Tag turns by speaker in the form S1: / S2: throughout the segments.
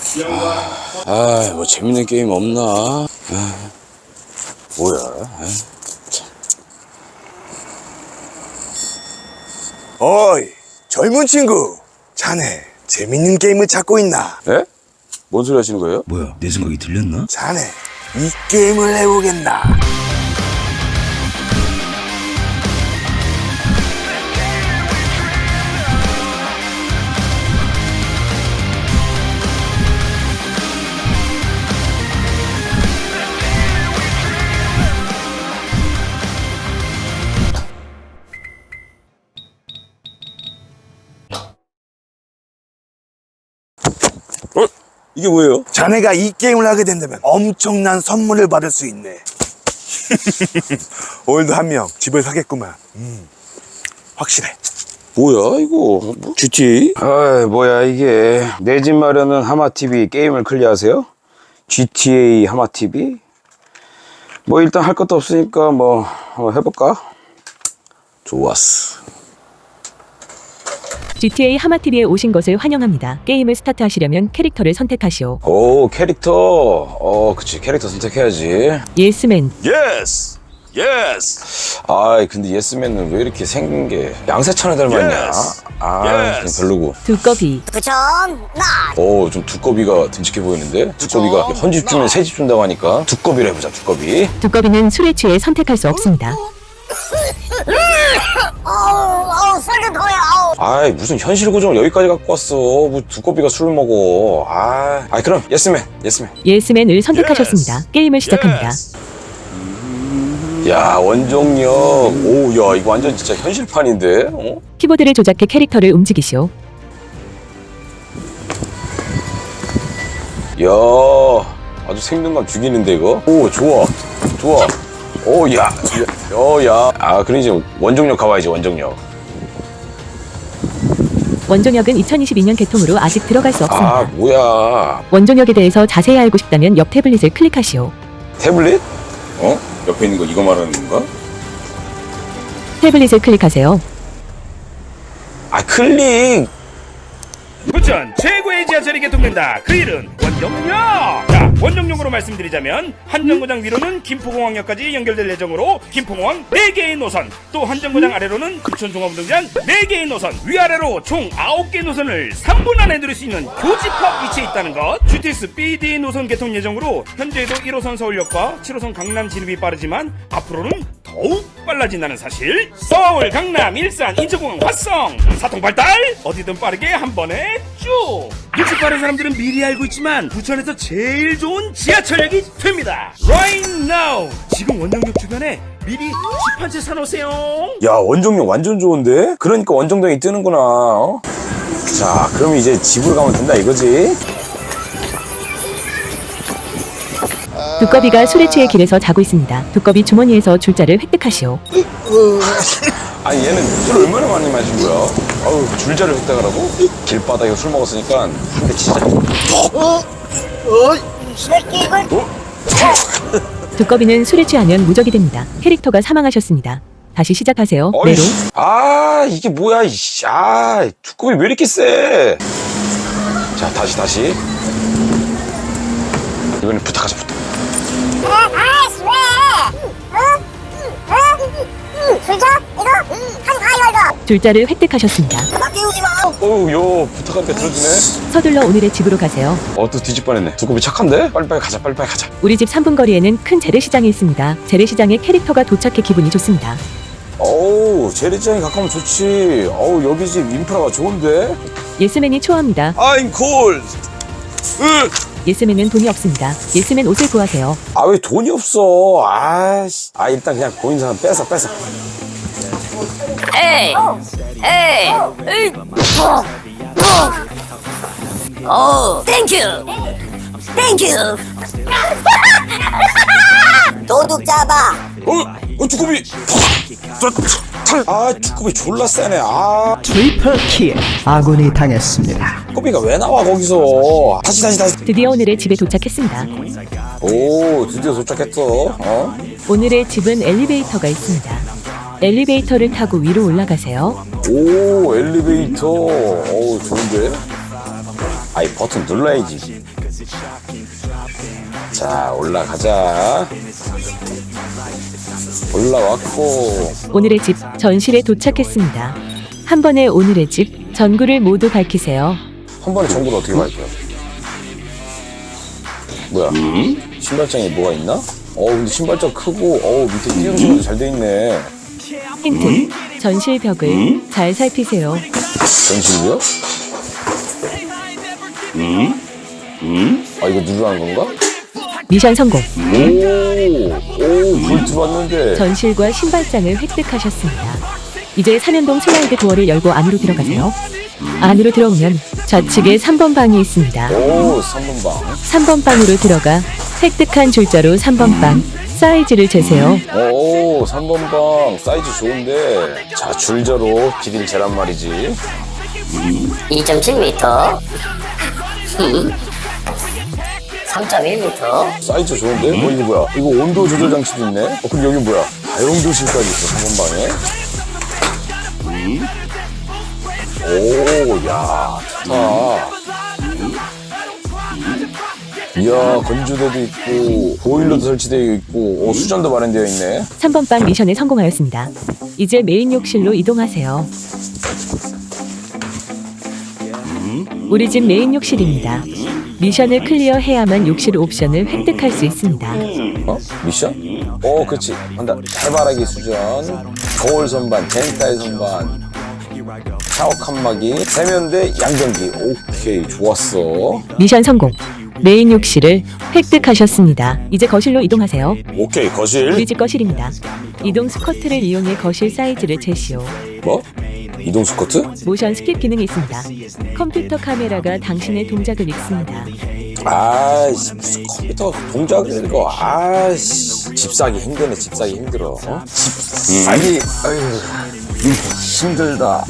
S1: 뭐 재밌는 게임 없나? 뭐야?
S2: 어이, 젊은 친구. 자네, 재밌는 게임을 찾고 있나?
S1: 예? 뭔 소리 하시는 거예요?
S3: 뭐야, 내 생각이 들렸나?
S2: 자네, 이 게임을 해보겠나?
S1: 이게 뭐예요?
S2: 자네가 이 게임을 하게 된다면 엄청난 선물을 받을 수 있네. 오늘도 한 명 집을 사겠구만. 확실해.
S1: 뭐야 이거? 뭐? GT? 뭐야 이게? 내 집 마련은 하마TV 게임을 클리어하세요? GTA 하마TV? 뭐 일단 할 것도 없으니까 뭐 한번 해볼까? 좋았어.
S4: GTA 하마TV에 오신 것을 환영합니다. 게임을 스타트하시려면 캐릭터를 선택하시오.
S1: 오 캐릭터. 그치 캐릭터 선택해야지.
S4: 예스맨.
S1: 예스! 예스! 아이 근데 예스맨은 왜 이렇게 생긴 게 양세찬을 닮았냐?
S2: Yes.
S1: 그냥 별로고.
S4: 두꺼비.
S1: 좀 두꺼비가 듬직해 보이는데? 두꺼비가 헌집 주면 새집 준다고 하니까 두꺼비로 해보자 두꺼비.
S4: 두꺼비는 술에 취해 선택할 수 없습니다.
S5: 술좀 더요.
S1: 아이 무슨 현실 고정을 여기까지 갖고 왔어. 뭐 두꺼비가 술을 먹어. 그럼 예스맨.
S4: 예스맨을 선택하셨습니다. 게임을 시작합니다.
S1: 야 원정력. 야 이거 완전 진짜 현실판인데?
S4: 키보드를 조작해 캐릭터를 움직이시오.
S1: 야 아주 생동감 죽이는데 이거? 좋아. 그럼 이제 원정력 가봐야지 원정력.
S4: 원종역은 2022년 개통으로 아직 들어갈 수 없습니다.
S1: 뭐야.
S4: 원종역에 대해서 자세히 알고 싶다면 옆 태블릿을 클릭하시오.
S1: 태블릿? 옆에 있는 거 이거 말하는 건가?
S4: 태블릿을 클릭하세요.
S1: 클릭!
S6: 부천 최고의 지하철이 개통된다. 그 이름 원정역. 자, 원정역으로 말씀드리자면 한정거장 위로는 김포공항역까지 연결될 예정으로 김포공항 4개의 노선, 또 한정거장 아래로는 부천종합운동장 4개의 노선, 위아래로 총 9개 노선을 3분 안에 누릴 수 있는 교집합 위치에 있다는 것. GTX BD 노선 개통 예정으로 현재에도 1호선 서울역과 7호선 강남 진입이 빠르지만 앞으로는 더욱 빨라진다는 사실. 서울, 강남, 일산, 인천공항, 화성 사통발달. 어디든 빠르게 한 번에 쭉. 일찍 빠른 사람들은 미리 알고 있지만 부천에서 제일 좋은 지하철역이 됩니다. Right now. 지금 원정역 주변에 미리 집 한 채 사놓으세요.
S1: 야 원정력 완전 좋은데? 그러니까 원정동이 뜨는구나. 자 그럼 이제 집으로 가면 된다 이거지?
S4: 두꺼비가 술에 취해 길에서 자고 있습니다. 두꺼비 주머니에서 줄자를 획득하시오.
S1: 얘는 술 얼마나 많이 마신 거야? 줄자를 획득하라고? 길바닥에 술 먹었으니까 한 대 치자.
S5: 새끼 이걸
S4: 두꺼비는 술에 취하면 무적이 됩니다. 캐릭터가 사망하셨습니다. 다시 시작하세요. 메로.
S1: 이게 뭐야 두꺼비 왜 이렇게 세? 자 다시 이번엔 부탁하자.
S5: 아이씨 왜? 술자? 이거? 하지 마 이거.
S4: 줄자를 획득하셨습니다.
S5: 나 깨우지 마.
S1: 부탁하니까 들어주네.
S4: 서둘러 오늘의 집으로 가세요.
S1: 또 뒤집 뻔했네. 두꺼비 착한데? 빨리빨리 가자.
S4: 우리 집 3분 거리에는 큰 재래시장이 있습니다. 재래시장에 캐릭터가 도착해 기분이 좋습니다.
S1: 재래시장이 가까우면 좋지. 여기 집 인프라가 좋은데?
S4: 예스맨이 초합니다.
S1: I'm cold.
S4: 예스맨은 돈이 없습니다. 예스맨 옷을 구하세요.
S1: 왜 돈이 없어? 일단 그냥 보이는 사람 뺏어.
S5: 에이. 오, 땡큐. 도둑 잡아.
S1: 두꺼비. 두꺼비 졸라 세네.
S7: 트리플킬 아군이 당했습니다.
S1: 두꺼비가 왜 나와 거기서? 다시.
S4: 드디어 오늘의 집에 도착했습니다.
S1: 드디어 도착했어.
S4: 오늘의 집은 엘리베이터가 있습니다. 엘리베이터를 타고 위로 올라가세요.
S1: 엘리베이터. 좋은데? 버튼 눌러야지. 자, 올라가자. 올라왔고.
S4: 오늘의 집 전실에 도착했습니다. 한 번에 오늘의 집 전구를 모두 밝히세요.
S1: 한 번에 전구를 어떻게 밝혀요? 뭐야? 신발장에 뭐가 있나? 근데 신발장 크고, 밑에 띄엄띄엄도 잘 돼 있네.
S4: 힌트. 전실 벽을 잘 살피세요.
S1: 전실이요? 아, 이거 누르라는 건가?
S4: 미션 성공.
S1: 불 들어왔는데.
S4: 전실과 신발장을 획득하셨습니다. 이제 사면동 슬라이드 도어를 열고 안으로 들어가세요. 안으로 들어오면 좌측에 3번 방이 있습니다.
S1: 3번 방.
S4: 3번 방으로 들어가 획득한 줄자로 3번 방 사이즈를 재세요.
S1: 3번 방 사이즈 좋은데. 자, 줄자로 길이를 재란 말이지.
S5: 2.7m 3.1m
S1: 사이즈 좋은데? 이거 뭐야? 이거 온도 조절 장치도 있네? 그럼 여기 뭐야? 다용도실까지 있어, 3번 방에. 야, 좋다. 이야, 건조대도 있고, 보일러도 설치되어 있고, 수전도 마련되어 있네.
S4: 3번 방 미션에 성공하였습니다. 이제 메인 욕실로 이동하세요. 우리 집 메인 욕실입니다. 미션을 클리어해야만 욕실 옵션을 획득할 수 있습니다.
S1: 미션? 그렇지. 한다. 해바라기 수전, 거울 선반, 젠타의 선반, 샤워 칸막이, 세면대, 양변기. 오케이, 좋았어.
S4: 미션 성공. 메인 욕실을 획득하셨습니다. 이제 거실로 이동하세요.
S1: 오케이, 거실.
S4: 우리 집 거실입니다. 이동 스커트를 이용해 거실 사이즈를 재시오.
S1: 뭐? 이동 스커트?
S4: 모션 스킵 기능이 있습니다. 컴퓨터 카메라가 당신의 동작을 읽습니다.
S1: 아이씨, 무슨 컴퓨터 동작을 읽어. 아이씨, 집 사기 힘드네. 집 사기 힘들어. 집 사기. 아유, 힘들다.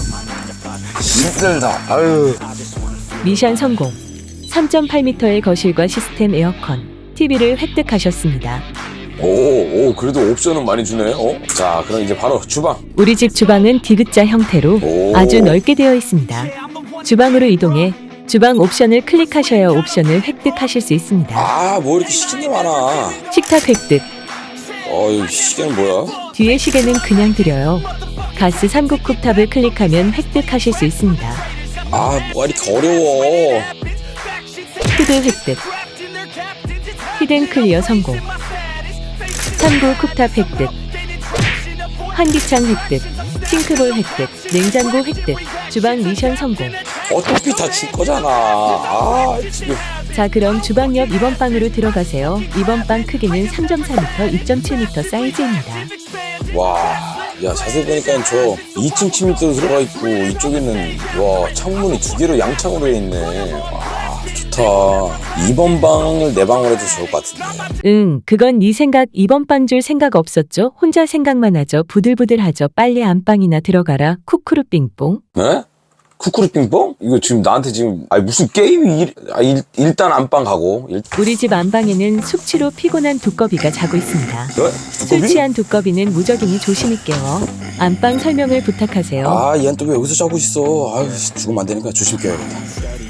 S1: 힘들다. 아유.
S4: 미션 성공. 3.8m의 거실과 시스템 에어컨, TV를 획득하셨습니다.
S1: 그래도 옵션은 많이 주네. 자, 그럼 이제 바로 주방.
S4: 우리 집 주방은 디귿자 형태로 아주 넓게 되어 있습니다. 주방으로 이동해 주방 옵션을 클릭하셔야 옵션을 획득하실 수 있습니다.
S1: 뭐 이렇게 시킨 게 많아.
S4: 식탁 획득.
S1: 이 시계는 뭐야?
S4: 뒤에 시계는 그냥 드려요. 가스 3국 쿡탑을 클릭하면 획득하실 수 있습니다.
S1: 뭐가 이렇게 어려워.
S4: 후드 획득. 히든 클리어 성공. 3구 쿡탑 획득. 환기창 획득. 싱크볼 획득. 냉장고 획득. 주방 미션 성공.
S1: 어차피 다 질 거잖아. 지금.
S4: 자, 그럼 주방 옆 2번 방으로 들어가세요. 2번 방 크기는 3.4m, 2.7m 사이즈입니다.
S1: 와, 야, 자세히 보니까 저 2층 침대도 들어가 있고, 이쪽에는, 창문이 2개로 양창으로 돼 있네. 좋다. 2번 방을 내 방으로 해도 좋을 것 같은데.
S4: 그건 네 생각. 2번 방 줄 생각 없었죠? 혼자 생각만 하죠. 부들부들하죠. 빨리 안방이나 들어가라. 쿠쿠루 빙뽕.
S1: 네? 쿠쿠루 빙뽕? 이거 지금 나한테 지금 무슨 게임이 일단 안방 가고.
S4: 우리 집 안방에는 숙취로 피곤한 두꺼비가 자고 있습니다. 술 취한 두꺼비는 무적이니 조심히 깨워. 안방 설명을 부탁하세요.
S1: 얘는 또 왜 여기서 자고 있어. 죽으면 안 되니까 조심 깨야겠다.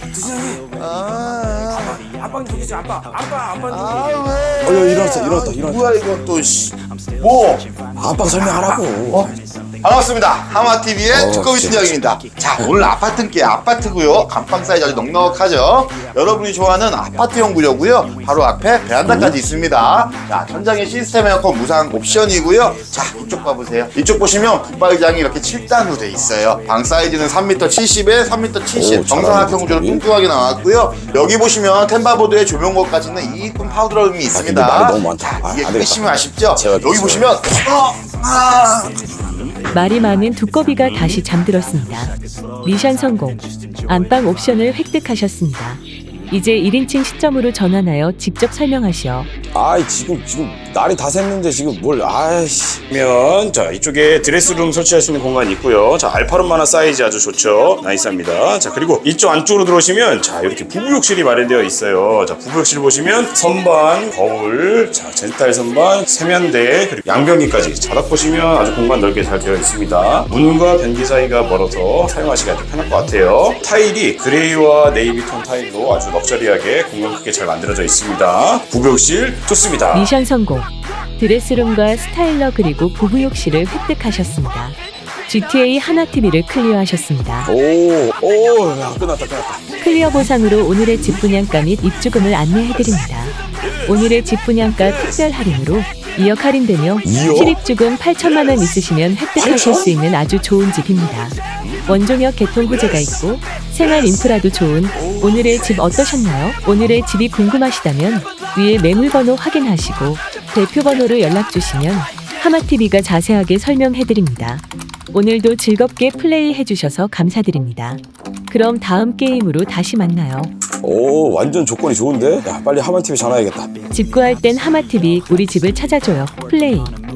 S6: 안방 저기지 안방.
S1: 일어났다.
S3: 뭐야 이건 또 뭐?
S1: 안방 설명하라고.
S3: 반갑습니다. 하마TV의 두꺼비 순정입니다. 자, 오늘 아파트께 아파트고요. 안방 사이즈 아주 넉넉하죠. 여러분이 좋아하는 아파트형 구조고요. 바로 앞에 베란다까지 있습니다. 자, 천장에 시스템 에어컨 무상 옵션이고요. 자, 이쪽 봐보세요. 이쪽 보시면 붙박이장이 이렇게 7단으로 돼 있어요. 방 사이즈는 3m 70에 3m 70 정사각형 구조로 뚱뚱하게 나왔고요. 여기 보시면 템바보드에 조명고까지 있는 이쁜 파우더룸이 있습니다.
S1: 말이 너무 많다.
S3: 이게
S1: 안
S3: 크시면
S1: 되겠다.
S3: 아쉽죠?
S1: 제가
S3: 여기 보시면
S4: 말이 많은 두꺼비가 다시 잠들었습니다. 미션 성공. 안방 옵션을 획득하셨습니다. 이제 1인칭 시점으로 전환하여 직접 설명하시오.
S1: 아이 지금 날이 다 샜는데 지금 뭘 아이씨. 그러면 자 이쪽에 드레스룸 설치할 수 있는 공간이 있고요. 자 알파룸 하나 사이즈 아주 좋죠. 나이스합니다. 자 그리고 이쪽 안쪽으로 들어오시면 자 이렇게 부부욕실이 마련되어 있어요. 자 부부욕실 보시면 선반, 거울, 자 젠탈 선반, 세면대 그리고 양변기까지 자닥 보시면 아주 공간 넓게 잘 되어 있습니다. 문과 변기 사이가 멀어서 사용하시기 아주 편할 것 같아요. 타일이 그레이와 네이비톤 타일로 아주 럭셔리하게 공간 크게 잘 만들어져 있습니다. 부부욕실 좋습니다.
S4: 미션 성공. 드레스룸과 스타일러 그리고 부부욕실을 획득하셨습니다. GTA 하나TV를 클리어하셨습니다.
S1: 야, 끝났다.
S4: 클리어 보상으로 오늘의 집 분양가 및 입주금을 안내해드립니다. 오늘의 집 분양가 특별 할인으로 2억 할인되며
S1: 2억?
S4: 실입주금 8천만 원 있으시면 획득하실 수 있는 아주 좋은 집입니다. 원종역 개통 호재가 있고 생활 인프라도 좋은 오늘의 집 어떠셨나요? 오늘의 집이 궁금하시다면 위에 매물번호 확인하시고 대표번호로 연락주시면 하마TV가 자세하게 설명해드립니다. 오늘도 즐겁게 플레이해주셔서 감사드립니다. 그럼 다음 게임으로 다시 만나요.
S1: 오 완전 조건이 좋은데? 야 빨리 하마TV 전화해야겠다.
S4: 집 구할 땐 하마TV 우리 집을 찾아줘요. 플레이.